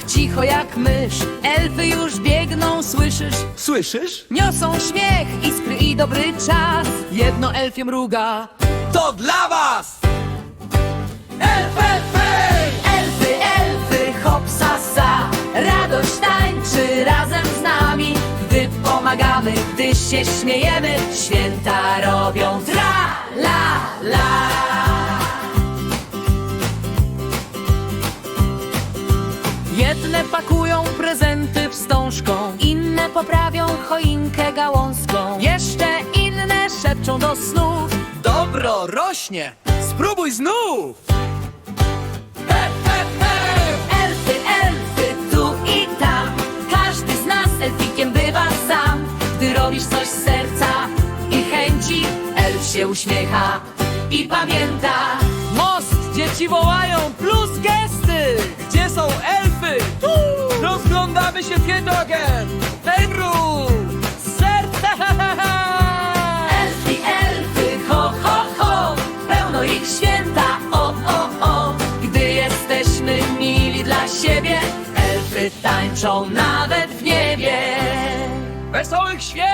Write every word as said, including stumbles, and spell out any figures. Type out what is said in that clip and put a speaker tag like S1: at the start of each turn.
S1: małych cicho jak mysz. Elfy już biegną, słyszysz?
S2: Słyszysz?
S1: Niosą śmiech, iskry i dobry czas. Jedno elfie mruga.
S2: To dla was!
S1: Elfy, elfy, elfy, hop, sa, sa. Radość tańczy razem z nami. Gdy pomagamy, gdy się śmiejemy, święta robią tra, la, la. Jedne pakują prezenty wstążką, inne poprawią choinkę gałązką. Jeszcze inne szepczą do snów.
S2: Dobro rośnie! Spróbuj znów!
S1: Elfy, elfy, tu i tam. Każdy z nas elfikiem bywa sam. Gdy robisz coś z serca i chęci, elf się uśmiecha i pamięta.
S2: Most! Dzieci wołają plus gesty! Gdzie są elfy? Tu! Rozglądamy się Pietogen! Fenru! Serce!
S1: Elfy, elfy, ho, ho, ho. Pełno ich święta, o, o, o. Gdy jesteśmy mili dla siebie, elfy tańczą nawet w niebie.
S2: Wesołych świąt!